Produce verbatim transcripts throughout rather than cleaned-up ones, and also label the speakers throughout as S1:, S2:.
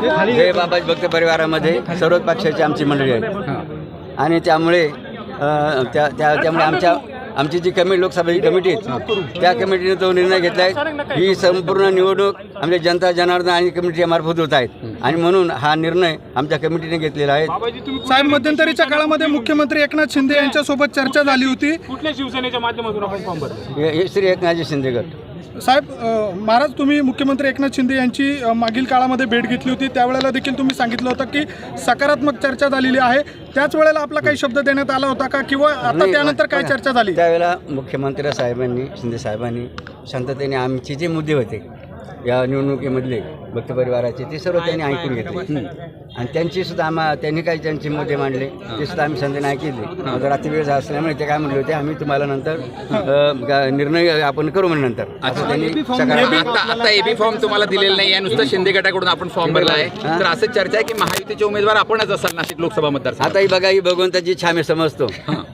S1: जय बाबाजी भक्त परिवारामध्ये सर्वच पक्षाची आमची मंडळी आहे आणि त्यामुळे अ, त्या त्या त्यामुळे आमच्या आमची जी कमिटी लोकसभेची कमिटी आहे त्या कमिटीने तो निर्णय घेतला आहे ही संपूर्ण निवडणूक आमच्या जनता जनार्दन आणि कमिटीच्या मार्फत होत आहेत आणि म्हणून हा निर्णय आमच्या कमिटीने घेतलेला आहे।
S2: साहेब, मध्यंतरीच्या काळामध्ये मुख्यमंत्री एकनाथ शिंदे यांच्यासोबत चर्चा झाली होती।
S3: कुठल्या शिवसेनेच्या माध्यमातून आपण फॉर्म भरला?
S1: हे हे श्री एकनाथजी शिंदे गट।
S2: साहेब, अ, महाराज, तुम्ही मुख्यमंत्री एकनाथ शिंदे यांची अ, मागील काळामध्ये भेट घेतली होती, त्यावेळेला देखील तुम्ही सांगितलं होतं की सकारात्मक चर्चा झालेली आहे। त्याच वेळेला आपला काही शब्द देण्यात आला होता का किंवा आता त्यानंतर काय चर्चा झाली?
S1: त्यावेळेला मुख्यमंत्री साहेबांनी शिंदे साहेबांनी शांततेने आमचे जे मुद्दे होते या निवडणुकीमधले भक्त परिवाराचे ते सर्व त्यांनी ऐकून घेतले आणि त्यांची सुद्धा आम्हा त्यांनी काही त्यांचे मुद्दे मांडले ते सुद्धा आम्ही संधी नाही केले। रात्री वेळ झाला असल्यामुळे ते काय म्हणले होते आम्ही तुम्हाला नंतर अ, निर्णय आपण करू म्हणजे नंतर असं त्यांनी सकारात्मक।
S4: आता आता एबी फॉर्म तुम्हाला दिलेला नाही आहे, नुसतं शिंदे गटाकडून आपण फॉर्म भरला आहे, तर असं चर्चा आहे की महायुतीचे उमेदवार आपणच असाल नाशिक लोकसभा मतदार।
S1: आता ही बघा ही भगवंताची छान मी समजतो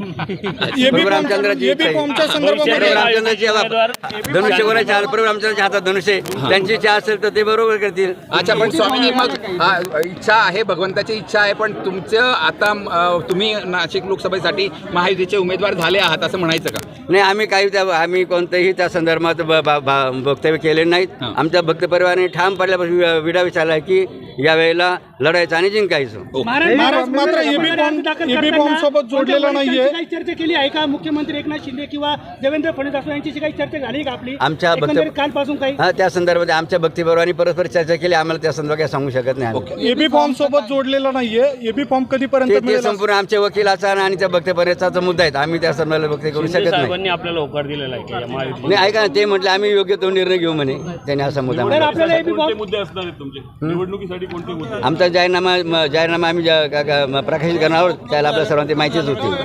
S1: प्रभू रामचंद्राची इच्छा आहे। प्रभू रामचंद्राची धनुष्य कोणाच्या प्रभू रामचंद्राच्या हातात धनुष्य आहे, त्यांची इच्छा असेल तर ते बरोबर करतील।
S4: अच्छा, पण स्वामीजी मग हा, इच्छा आहे, भगवंताची इच्छा आहे, पण तुमचं आता अ, तुम्ही नाशिक लोकसभेसाठी महायुतीचे उमेदवार झाले आहात असं म्हणायचं का?
S1: नाही, आम्ही काही त्या आम्ही कोणत्याही त्या संदर्भात ब- ब- ब- वक्तव्य केले नाहीत। आमच्या भक्त परिवाराने ठाम पडल्यापासून वि- विडा विचारला आहे की यावेळेला लढायचं आणि जिंकायचं।
S2: महाराज, मात्र एबी फॉर्म एबी फॉर्म सोबत जोडलेला नाहीये।
S5: काही चर्चा केली आहे का मुख्यमंत्री एकनाथ शिंदे किंवा देवेंद्र फडणवीस यांची काही चर्चा झाली का आपली
S1: आमच्या भक्त
S5: एकंदरीत कालपासून काही?
S1: हा, त्या संदर्भात आमच्या भक्ती परिवाराने परस्पर चर्चा केली, आम्हाला त्या संदर्भात काही सांगू शकत नाही आम्ही।
S2: एबी फॉर्म सोबत जोडलेला नाहीये। एबी फॉर्म कधीपर्यंत
S1: ते- ते
S2: मिळेल?
S1: संपूर्ण आमच्या वकिलाचा आणि त्या भक्त परिवाराचा मुद्दा आहे, आम्ही त्या संदर्भात वक्तव्य करू शकत नाही।
S3: आपल्याला होकार दिलेला आहे की या महायुती
S1: नाही, ऐका ना, ते म्हटलं आम्ही योग्य तो निर्णय घेऊ म्हणे, त्याने असा मुद्दा
S5: तर
S1: मांडला।
S5: आपल्याला एबी फॉर्म
S3: मुद्दे असणार आहेत तुमचे निवडणुकीसाठी कोणते मुद्दे?
S1: आमचा जाहीरनामा म- जाहीरनामा आम्ही ज्या- का- का- प्रकाशित करणार आहोत त्याला आपल्या सर्वांची माहितीच होती।